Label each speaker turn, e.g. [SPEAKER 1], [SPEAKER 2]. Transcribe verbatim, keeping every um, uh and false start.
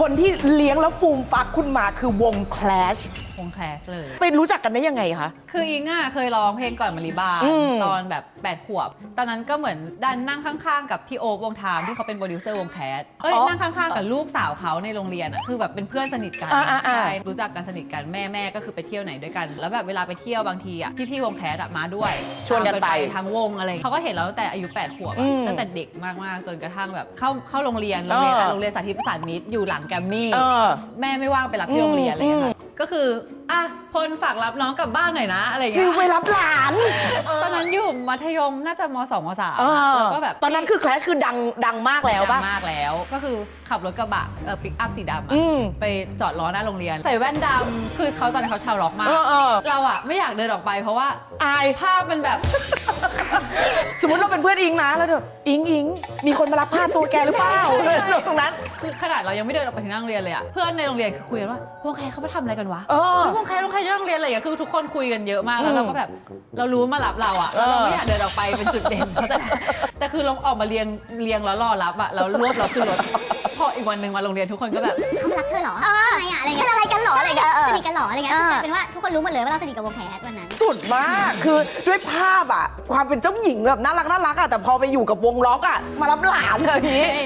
[SPEAKER 1] คนที่เลี้ยงแล้วฟูมฟักคุณมาคือวง Clash
[SPEAKER 2] วง Clash เลย
[SPEAKER 1] ไปรู้จักกันได้ยังไงคะ
[SPEAKER 2] คืออิงอ่ะเคยร้องเพลงก่อนมาริบา
[SPEAKER 1] อืม
[SPEAKER 2] ตอนแบบแปดขวบ ตอนนั้นก็เหมือนดันนั่งข้างๆกับพี่โอ๊ควงไทม์ที่เขาเป็นโปรดิวเซอร์วงแคสเอ้ยนั่งข้างๆกับลูกสาวเขาในโรงเรียนอ่ะคือแบบเป็นเพื่อนสนิทกัน
[SPEAKER 1] อ่าอ่าอ่า
[SPEAKER 2] ใช่รู้จักกันสนิทกันแม่แม่ก็คือไปเที่ยวไหนด้วยกัน แล้วแบบเวลาไปเที่ยวบางทีอ่ะพี่ๆวงแคสอ่ะมาด้วย
[SPEAKER 1] ชวนกันไป
[SPEAKER 2] ตามทั้งวงอะไรอย่างเงี้ยเขาก็เห็นเราตั้งแต่อายุแปดขวบ
[SPEAKER 1] อื
[SPEAKER 2] อะ
[SPEAKER 1] ม
[SPEAKER 2] ตั้งแต่เด็กมากๆจนกระทั่งแบบเข้าเข้าโรงเรียนโรงเรียน
[SPEAKER 1] เออ
[SPEAKER 2] โรงเรียนสาธิตประสานมิตรอยู่หลังแกรมมี่
[SPEAKER 1] เออ
[SPEAKER 2] แม่ไม่ว่างไปรับที่โรงเรียนอะไรอย่างเงี้ย
[SPEAKER 1] อื
[SPEAKER 2] ค่ะก็คืออ่ะพลฝากรับน้องกลับบ้านหน่อยนะอะไรอย่าง
[SPEAKER 1] ฟิ
[SPEAKER 2] เงี้
[SPEAKER 1] ล
[SPEAKER 2] ย
[SPEAKER 1] ไปรับหลาน
[SPEAKER 2] ตอนนั้นอยู่มัธยมน่าจะมสองมสาม
[SPEAKER 1] เออ
[SPEAKER 2] แล้วก็แบบ
[SPEAKER 1] ตอนนั้นคือ Clash คือดังดังมากแล้ว
[SPEAKER 2] ดั
[SPEAKER 1] ป่ะ
[SPEAKER 2] งมากแล้ว ก็คือขับรถกระบะเออปิกอัพสีดำอะ
[SPEAKER 1] อืม
[SPEAKER 2] ไปจอดล้อหน้าโรงเรียน ใส่แว่นดำคือเขาตอนนนเขาชาวร็อกมาก
[SPEAKER 1] เออเออ
[SPEAKER 2] เราอะไม่อยากเดินออกไปเพราะว่า
[SPEAKER 1] อาย
[SPEAKER 2] ภาพมันแบบ
[SPEAKER 1] สมมติเราเป็นเพื่อนอิงนะแล้วเธออิงอิงมีคนมารับผ้าตัวแกหรือเปล่า
[SPEAKER 2] ใช่ใช่
[SPEAKER 1] ตรงนั้น
[SPEAKER 2] คือขนาดเรายังไม่เดินออกไปถึงหน้าโรงเรียนเลยอะเพื่อนในโรงเรียนคือคุยกันว่าวงแคเขาไปทำอะไรกันวะ
[SPEAKER 1] เออ
[SPEAKER 2] เฮ้ยวงแควงแคที่โรงเรียนอะไรอย่างเงี้ยคือทุกคนคุยกันเยอะมาก
[SPEAKER 1] อื
[SPEAKER 2] แล้ว
[SPEAKER 1] ม
[SPEAKER 2] เราก็แบบเรารู้มารับเราอะแล้วเรา
[SPEAKER 1] เออ
[SPEAKER 2] ไม่อยากเดินออกไปเป็นจุดเด่นเข้าใจปะแต่คือลงออกมาเรียงเรียงแล้วรอรับอะแล้วรวบเราขึ้นรถพออีกวันหนึ่งมาโรงเรียนทุกคนก็แบบ
[SPEAKER 3] เขามารับเธอเหรอทำไมอะอะไรเงี้ยเป็นอะไรกันเหรออะไรเงี้ยสนิทกันเหรออะไรเงี้ยคือกลายเป็นว่าทุกคนรู้หมดเลยว่าเราสนิทกับวงแคสวันนั้น
[SPEAKER 1] สุดมากคือด้วยภาพอะความเป็นเจ้าหญิงแบบน่ารักน่ารักอะแต่พอไปอยู่กับวงล็อกอะมารับหลานเลยอย่างนี้